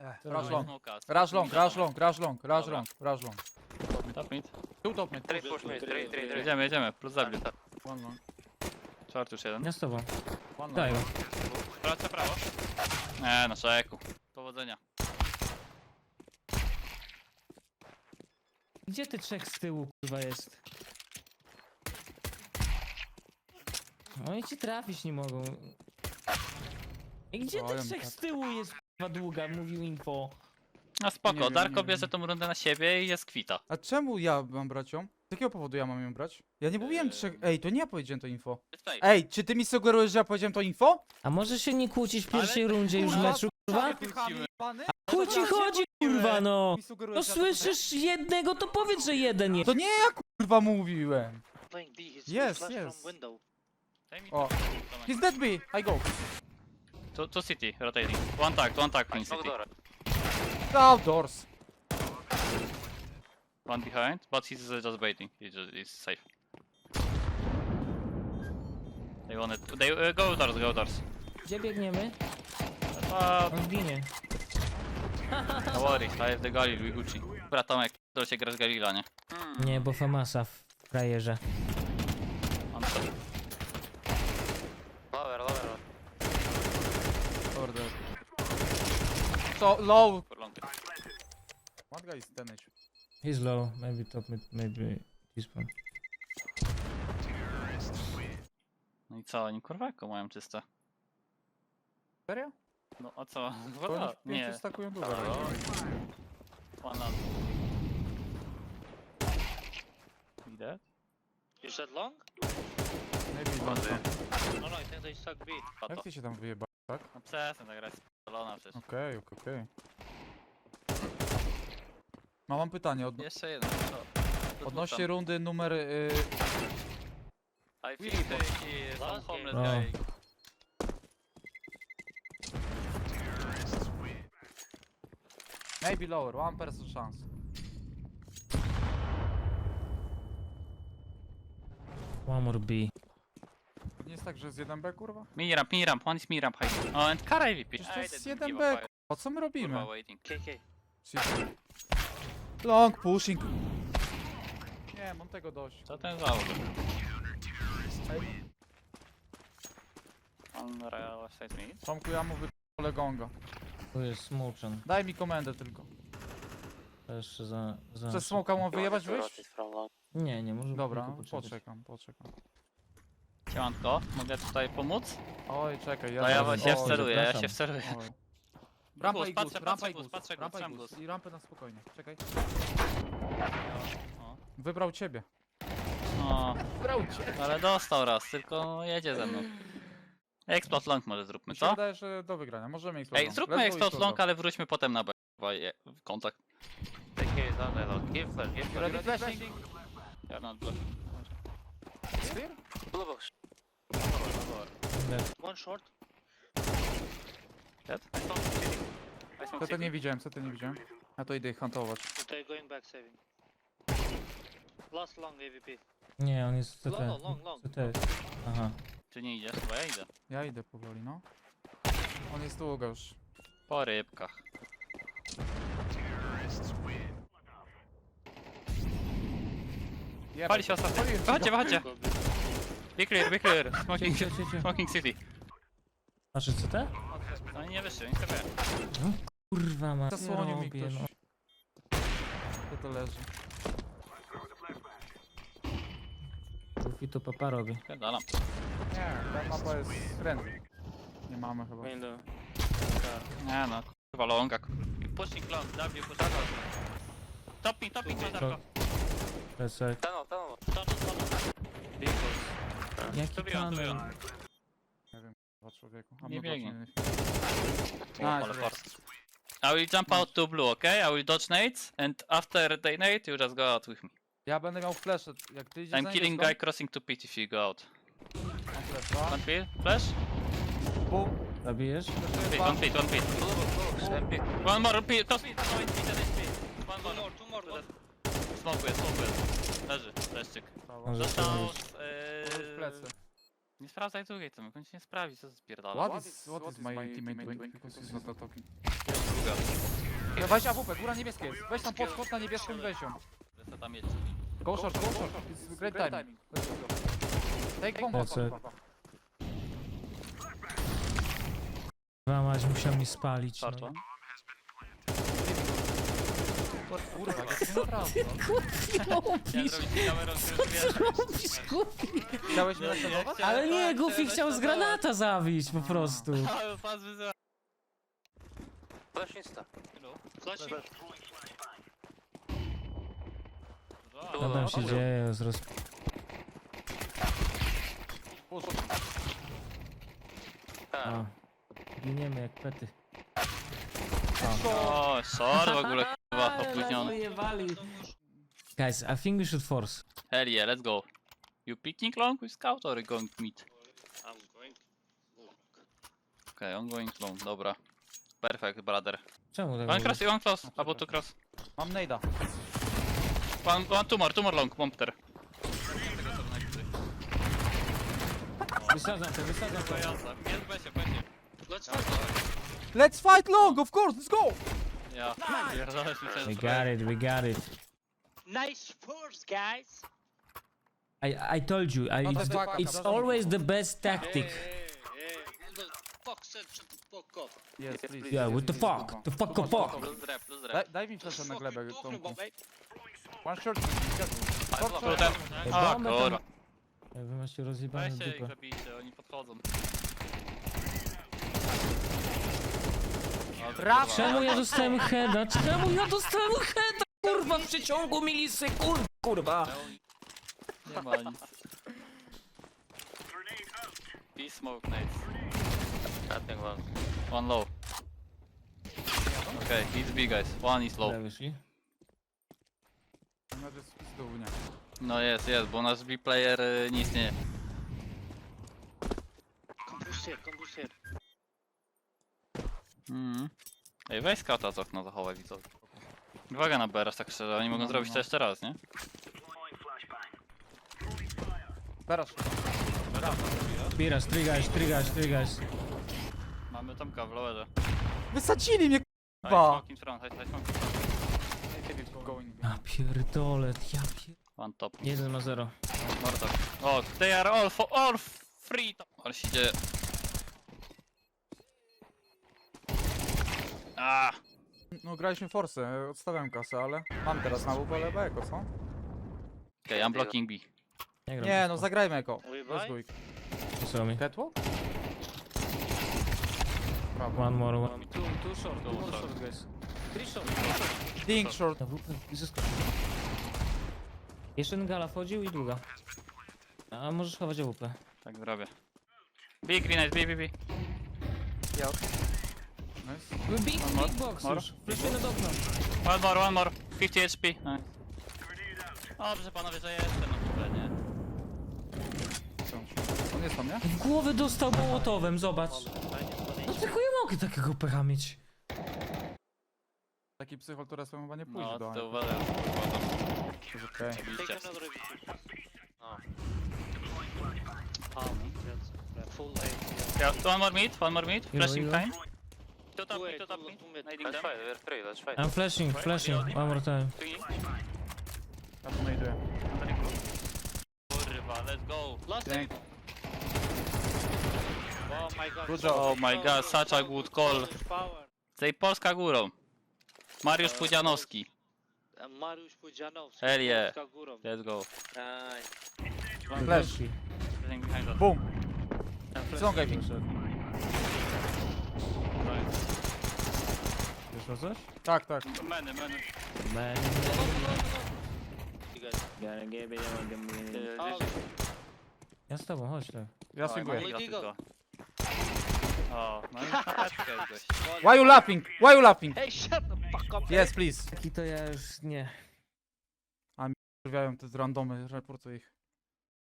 Rush long. Smoka. Rush long, rush long, rush long, rush Dobra. long, rush long. Top mid. Two top mid. Three push me, three. Jedziemy, jedziemy. Plus zabił. One long. Czwarty już jeden. Ja z tobą. One Daj. long. Praca prawo. Nie, na szeku. Powodzenia. Gdzie ty trzech z tyłu kurwa jest? Oni ci trafić nie mogą. I gdzie ty Powiem trzech tak. z tyłu jest kurwa długa, mówił info. No Nie spoko, wiem, Darko nie bierze tą rundę na siebie i jest kwita. A czemu ja mam brać ją? Z jakiego powodu ja mam ją brać? Ja nie mówiłem trzech... Ej, to nie ja powiedziałem to info. Ej, czy ty mi sugerujesz, że ja powiedziałem to info? A może się nie kłócić w pierwszej rundzie już kurwa, meczu kurwa? Chuj ci Dobra, chodzi kurwa no! Mi sugerujesz, No że ja to słyszysz jednego to powiedz, że jeden jest. To nie ja kurwa mówiłem. Playing B, he's Yes, flash yes. from window. O. He's dead B, I go. To city, rotating. One tag in city. Outdoors. One behind, but he's just waiting. He's safe. They wanted. They go doors. Gdzie biegniemy? Uh, On ginie. no worry, I have the Galil, we Gucci. Dobra Tomek, to się gra z Galila, nie? Nie, bo Famasa w frajerze. On to. Lower. Over there. So low. For long. One guy is 10 HP. He's low, maybe top mid, maybe this one. No i co, oni kurwako mają czyste. Serio? No a co? To Woda? oni w pięciu Nie. stakują dużo. Halo? One up. Idę? You said long? Maybe long some. No, I think they stuck B. Jak ty się tam wyjeba? Tak? No przestań, ta gra jest spalona przecież. Okej. No mam pytanie Jeszcze jeden, co? odnośnie rundy numer... I think they is some Last homeless game. guy. maybe lower, one person chance. One more B. Nie jest tak, że jest 1B kurwa? Mini ramp, one is mini ramp high. Oh, and car AVP. Przecież to I jest didn't 1B give a fuck. kurwa, co my robimy? Kurwa, waiting. KK. Long pushing. Nie, mam tego dość. Co ten załóg? On real side mid. Tomku, ja mówię gonga. Tu jest smoken. Daj mi komendę tylko. To jeszcze za... Przez smoka mam wyjebać wyjść? Nie, może Dobra, tylko poczekać. poczekam. Siemanko, mogę tutaj pomóc? Oj, czekaj, No ja zaraz- się oj, wceluję, zapraszam. oj. Rampa i patrzę, guz, rampa i guz, guz, patrzę guz, rampa i trzymam guz. guz. I rampę na spokojnie, czekaj. O. Wybrał ciebie. No, Wybrał cię. ale dostał raz, tylko jedzie ze mną. Explode long może zróbmy, Mi się co? wydaje, że do wygrania, możemy explode Ej, long. zróbmy Let's go explode explode long, ale wróćmy potem na B. Kontakt. KK is on the long. Give flash. Ready flashing? Ja na B. Clear? Blue box. One short. Dead? Co to nie widziałem, Ja to idę ich huntować. They're going back saving. Last long AVP. Nie, on jest CT. Long. CT jest. Aha. Czy nie idziesz? Bo ja idę. Ja idę powoli, no. On jest długo już. Po rybkach. Pali się ostatnio. Wychodźcie. Be clear. Smoking city. Znaczy CT? Oni nie wyszli, oni sobie. Kurwa ma. Zasłonił mi robię, ktoś. no. Gdzie to leży? Rufi to papa robi. Pierdalam. Nie, ta mapa jest friendly. Nie mamy chyba. Window. Nie no, kurwa longa. Pushing long, W, pushing long. Topping, Darko. Plecek. Tunnel. Jaki To wyjął. kanał? Dwa człowieku. Nie biegnie. Nice, Ale force. I will jump out to blue, okay? I will dodge nades, and after they nade, you just go out with me. Ja będę miał flash, jak ty idziesz I'm killing guy crossing to pit if you go out. Mam flash, dwa. One pit, flash? Boom. Zabijesz? One pit. One more pit, top pit, no it's pit, One more. Two more. Smokuję. Leży, leszczyk. Może Dostał spróbować. W plecy. Nie sprawdzaj drugiej, to on się nie sprawdzi, co spierdala. What is my teammate doing? Because he's not talking. Druga. No weź AWP, góra niebieskie jest. Weź tam podskok na niebieską i weź ją. Co tam jest? Go short, go short. It's great timing. Take bomb. That's it. Mać musiał mi spalić. Short No. one. Kurwa, jak to naprawdę. Chciałem zrobić kamerą, Robisz, kupi. Chciałeś mnie naśladować? Ale nie, Goofy chciał z granata zabić po prostu. Ale pas wyzywa. Flash insta. Flashing. Co tam się dzieje? A. Giniemy jak pety. O, sorry w ogóle, kurwa, opóźniony. Guys, I think we should force. Hell yeah, let's go. You picking long with scout or going mid? I'm going. Okay, I'm going long, dobra. Perfect, brother. Czemu tak One mówisz? cross, one close, albo two cross. Mam nade'a. One two more long, bombter. Wysadzam to. Jest Besie, Besie. Let's fight. Let's fight long, of course, let's go! Ja, pierdolę mi We got it. Nice force, guys. I told you, No to jest backup, it's doesn't always the best tactic. Who the fuck said shut the fuck up? Yes, please. Yeah, what the fuck? The fuck, fuck. Plus rep. Daj mi flasha na glebę, Talking Tomku. about, mate? One short, Kurde. A, Bombę kurwa. tam- Jak wy macie rozjebane Weźcie ich dupę. zabijcie, oni podchodzą. Czemu ja dostałem heada? Kurwa, w przeciągu milisekund, kurwa. Nie ma nic. Smoke nades. Cutting one. One low. Okay, he's B guys. One is low. Dobra, wyszli. No to jest pizdu, nie. No jest, bo nasz B player nie istnieje. Come boost here. Ej, weź skauta z okna zachowaj widzowie. Uwaga na BRS, tak szczerze, oni mogą zrobić to jeszcze raz, nie? Teraz. Piras, three guys. Mamy Tomka w lowerze. Wysadzili mnie, High Ba. smoke in front, high smoke. going. Ja pierdolę, One top. 1-0. Mortar. O, they are all free. Ale się dzieje. Ah, No graliśmy Force, odstawiam kasę, ale mam teraz na WP lewe eko, co? okay, I'm blocking B. gram Nie, bez no to. zagrajmy eko. We Let's buy? go ich. Wysłał mi. Catwalk? Prawo. One more. Two short, guys. Ding short. Na WP zyskał. Jeszcze jeden gala wchodził i długa. A możesz chować WP. Tak zrobię. B, green eyes, B. Nice. Big box More. już. Fleszujemy do okna. One more. 50 HP. Nice. Dobrze panowie, że jestem na w ogóle, nie? On jest tam, nie? W głowę dostał mołotowem, zobacz. No tylko ja mogę takiego pecha mieć. Taki psychol, który sobie chyba nie pójdzie No, do to Anki. uważaj. To jest okej. Take Oczywiście. another AVP. No. That's full A. Yeah, one more mid, flashing Hero. time. Two top mid, Nading them. I'm flashing. One more time. Three. Ja to znajduję. Kurwa, let's go. Last Dzięki. Oh my god. Good job. Oh my god, such a good call. Power. Tej Polska górą. Mariusz Pudzianowski. Mariusz Pudzianowski. Hell yeah. Polska górą. Let's go. Flash. Flashing behind us. Boom. Ściągaj mi. Wyszło coś? Tak, tak. Many. Ja z tobą, chodź tak. Ja swinguję. O, no i na petkę gość. Why you laughing? Why you laughing? Hey, shut the fuck up. Yes, please. Taki to ja już nie. Wyrwiają te z randomy, reportuję ich.